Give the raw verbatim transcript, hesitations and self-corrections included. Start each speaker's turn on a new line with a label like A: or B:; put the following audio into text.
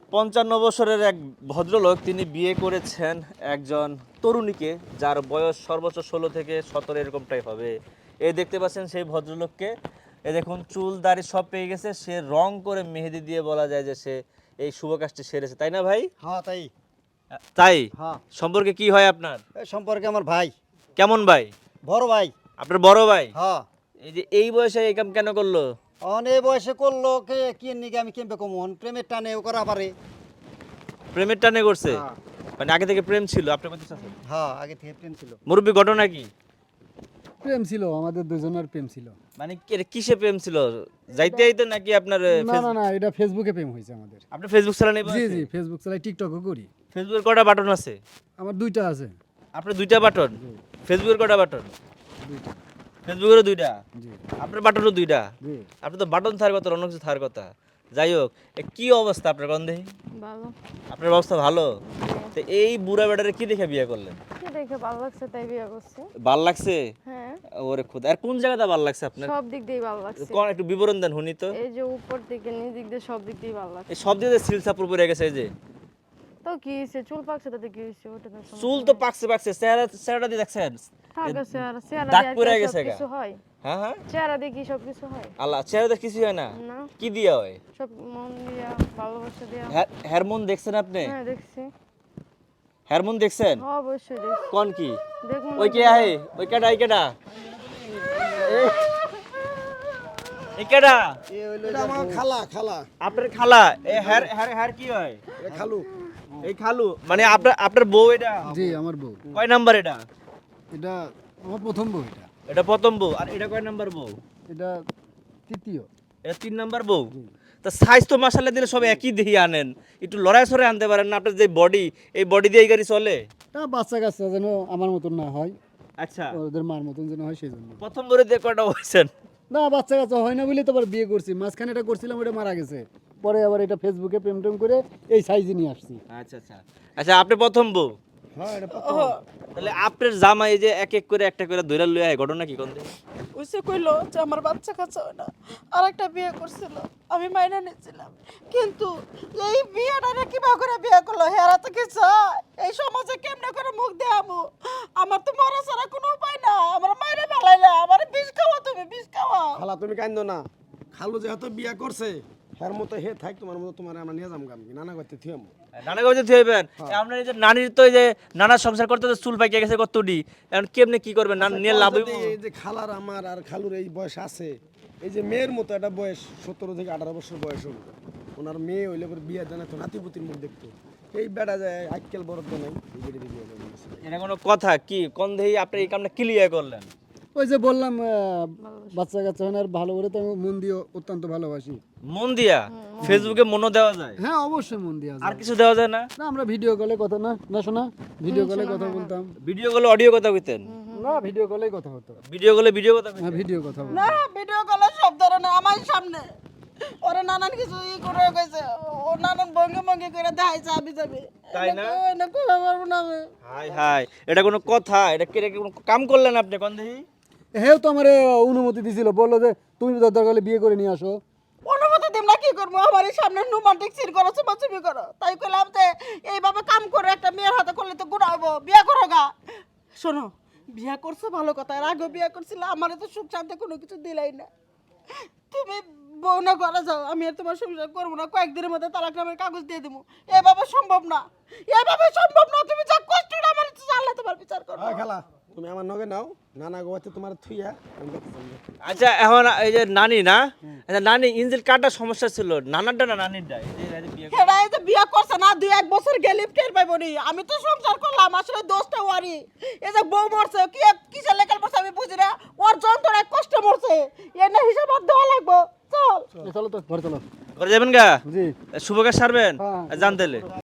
A: পঞ্চান্ন বছরের এক ভদ্রলোক তিনি বিয়ে করেছেন একজন তরুণীকে, যার বয়স সর্বোচ্চ ষোলো থেকে সতেরো এরকমটাই হবে। এই দেখতে পাচ্ছেন সেই ভদ্রলোককে, এ দেখুন চুল দাড়ি সব পেয়ে গেছে, সে রং করে মেহেদি দিয়ে বলা যায় যে সে এই শুভ কাজটি সেরেছে, তাই না ভাই?
B: হ্যাঁ তাই।
A: তাই
B: হ্যাঁ,
A: সম্পর্কে কি হয় আপনার?
B: এই সম্পর্কে আমার ভাই,
A: কেমন ভাই?
B: বড় ভাই।
A: আপনার বড় ভাই?
B: হ্যাঁ,
A: এই যে এই বয়সে এই কাম কেন করলো?
B: অনেক বয়সে করলো কে কি নিকে আমি কেমবে কমন প্রেমের টানে ও করা পারে।
A: প্রেমের টানে করছে?
B: হ্যাঁ।
A: মানে আগে থেকে প্রেম ছিল আপনার কথা?
B: হ্যাঁ, আগে থেকে প্রেম ছিল।
A: মুরব্বী ঘটনা কি?
C: প্রেম ছিল, আমাদের দুজনের প্রেম ছিল।
A: মানে কি- কিসে প্রেম ছিল? যাইতে যাইতে নাকি আপনার আহ,
C: না
A: ফেস-
C: না না, এটা ফেসবুকে প্রেম হয়েছে আমাদের।
A: আপনি ফেসবুক চালান? এই
C: জি
A: বয়সে?
C: জি, ফেসবুক চালাই, টিকটকও করি।
A: ফেসবুকের কটা বাটন আছে?
C: আমার দুইটা আছে।
A: আপনার দুইটা বাটন?
C: জি,
A: ফেসবুকের কটা বাটন?
C: দুইটা।
A: ফেসবুকেরও দুইটা?
C: জি
A: আপনার বাটনও দুইটা?
C: জি।
A: আপনি তো বাটন থার কথা, অন্য কিছু থার কথা। যাই হোক, এ কি অবস্থা আপনার গন্ধে?
D: ভালো।
A: আপনার অবস্থা ভালো? তো এই বুড়া বেটারে কি দেখে বিয়ে করলেন?
D: কি দেখে ভালো লাগছে তাই বিয়ে করছি।
A: ভাল লাগছে?
D: হ্যাঁ,
A: ওরে খোদা, আর কোন জায়গাটা ভাল লাগছে আপনার?
D: সব দিক দিয়ে ভালো লাগছে।
A: কোন একটু বিবরণ দেন শুনি তো।
D: এই যে উপর থেকে নিচ দিক দিয়ে সব দিক দিয়ে ভালো লাগছে।
A: এই সব দিয়ে সিল সাপুর পড়ে গেছে, এই যে
D: তো কি হয়েছে, চুল পাকছে তাতে কি হয়েছে? ওটা তো সমস্যা
A: চুল তো
D: নাই।
A: পাকছে পাকছে, চেহারা চেহারাটা দিয়ে দেখছেন?
D: থাক আছে, আর চেহারা
A: দাগ
D: দিয়ে আর
A: পড়ে
D: কি
A: গেছে
D: সব
A: গা।
D: কিছু হয়?
A: হ্যাঁ হ্যাঁ,
D: চেহারা দিয়ে কি সব কিছু হয়?
A: আল্লাহ, চেহারাতে কিছু হয় না?
D: না,
A: কি দিয়া হয়?
D: সব মন দিয়া, ভালোবাসা দিয়া।
A: হরমোন দেখছেন আপনি?
D: হ্যাঁ দেখছি।
A: হরমোন দেখছেন?
D: হ্যাঁ অবশ্যই দেখছি।
A: কোন কি?
D: দেখুন
A: ওই কে আহে, ওই কেডা, এই কেডা, এই কেডা?
B: এ হইলো আমার খালা, খালা।
A: আপনার খালা? এই হের হের হের কি হয়?
B: এটা খালু।
A: এই খালু মানে আপনার আপনার বউ এটা?
C: জি, আমার বউ।
A: কয় নাম্বার এটা?
C: এটা আমার প্রথম বউ। এটা
A: এটা প্রথম বউ। আর এটা কয় নাম্বার বউ?
C: এটা তৃতীয়।
A: এটা তিন নাম্বার বউ। তা সাইজ তো মাশাআল্লাহ দিলে সব একই দেখি আনেন, একটু লড়াই সরে আনতে পারেন না? আপনার যে বডি, এই বডি দিয়ে এই গাড়ি চলে?
C: তা বাচ্চা কাচ্চা যেন আমার মতন না হয়,
A: আচ্ছা,
C: ওদের মার মতন যেন হয়, সেই জন্য।
A: প্রথম বউরে দিয়ে কয়টা হয়েছেন?
C: না, বাচ্চা কাচ্চা হয় না বলে তো আবার বিয়ে করছি। মাঝখানে এটা করছিলাম, ওটা মারা গেছে। পরে আবার এটা ফেসবুকে প্রেম টেম করে এই সাইজে নিয়ে আসছি।
A: আচ্ছা আচ্ছা আচ্ছা, আপনি প্রথম বউ?
B: হ্যাঁ, এটা
A: তাহলে আপনার জামাই এই যে এক এক করে একটা করে ধইরা লইয়া আয়, ঘটনা কি কোন?
E: ওইসে কইলো যে আমার বাচ্চা কাচ্চা হয় না, আর একটা বিয়ে করছিল, আমি মাইনা নিয়েছিলাম। কিন্তু এই বিয়েটা কিবা করে বিয়ে করলো, হেরা তো কি চায়? এই সমাজে কেমনে করে মুখ দেখাবো? আমার তো মরা ছাড়া কোনো উপায় না। আমার মাইরে ফেলাইলে, আমার বিষ খাওয়া, তুমি বিষ খাওয়া।
F: খালা তুমি কান্দো না, খালু যেহেতু বিয়া করছে হের মতো হে থাক, তোমার মতো তোমার আমরা নিয়ে যাম গাম নানা করতে থিয়াম।
A: নানা কাছে থইবেন? আপনার এই যে নানির তো এই যে নানা সংসার করতে তো চুল পাইকে গেছে কতটি, এখন কেমনে কি করবেন? নানা নিয়ে লাভ হইব?
F: এই যে খালার আমার আর খালুর এই বয়স আছে, এই যে মেয়ের মতো একটা বয়স, সতেরো থেকে আঠারো বছর বয়স হল, ওনার মেয়ে হইলে পরে বিয়ে জানা তো নাতিপুতির মুখ দেখতো। এই বেড়া যায় আজকাল বড় তো নাই, এই বেড়ে বিয়ে করে নিয়েছে।
A: এটা কোনো কথা? কি কোন দেহি আপনি এই কামটা ক্লিয়ার করলেন?
C: ওই যে বললাম, আহ, বাচ্চা কাচ্চা হয় না, আর ভালো করে তো আমি মন দিয়ে অত্যন্ত ভালোবাসি।
A: মন দিয়া? ফেসবুকে মনও দেওয়া যায়?
C: হ্যাঁ অবশ্যই মন দিয়ে।
A: আর কিছু দেওয়া যায় না?
C: না, আমরা ভিডিও কলে কথা, না না শোনা, ভিডিও কলে কথা বলতাম।
A: ভিডিও কলে অডিও কথা কইতেন?
C: না, ভিডিও কলেই কথা হতো।
A: ভিডিও কলে ভিডিও কথা
C: হ্যাঁ,
A: কইতেন?
C: ভিডিও কথা বলতাম।
E: না, ভিডিও কলে সব ধরনের আমার সামনে ওরা নানান কিছু ই করে গেছে, ও নানান ভঙ্গি ভঙ্গি করে দেখাইছে আমি যাবে।
A: তাই না?
E: না কই পারবো না আমি।
A: হাই হাই, এটা কোনো কথা? এটা কি কোনো কাম করলেন আপনি কোন দেহি?
C: হেও তো আমার অনুমতি দিছিল, বললো যে তুমি দরকার হলে বিয়ে করে নিয়ে আসো।
E: অনুমতি দিম না, কি করবো? আমার এই সামনে রোমান্টিক সিন করো, চুমাচুমি করো, তাই কইলাম যে এইভাবে কাম করে একটা মেয়ের হাতে করলে তো গুণা হবো, বিয়ে করো গা। শোনো, বিয়ে করছো ভালো কথা, এর আগেও বিয়ে করছিল, আমার তো সুখ শান্তি কোনো কিছু দিলাই না। তুমি বউ না ঘরে যাও, আমি আর তোমার সংসার করবো না, কয়েকদিনের মধ্যে তালাক নামের কাগজ দিয়ে দেবো। এভাবে সম্ভব না, এভাবে সম্ভব না। তুমি যা কষ্ট না আমার আল্লাহ তোমার বিচার করো।
F: হ্যাঁ খালা, তুমি আমার নগে নাও, নানা গোয়াতে তোমার থুইয়া আমি দেখতেছি।
A: আচ্ছা, এখন এই যে নানি না, আচ্ছা নানি ইঞ্জিল কাটার সমস্যা ছিল, নানারটা না নানিরটা? এই যে এই যে বিয়ে
E: হেরা এই যে বিয়ে করছে না, দুই এক বছর গেলে টের পাইব নি। আমি তো সংসার করলাম, আসলে দোষটা ওয়ারি। এই যে বউ মরছে, কি কিসের লেখার মরছে আমি বুঝি না, ওর যন্ত্রণায় কষ্ট মরছে, এর না হিসাব আর দেওয়া লাগবো। চল
C: চলো তো ঘরে চলো।
A: করে যাবেন গা?
C: জি।
A: শুভ কাজ সারবেন?
C: হ্যাঁ।
A: জানতেলে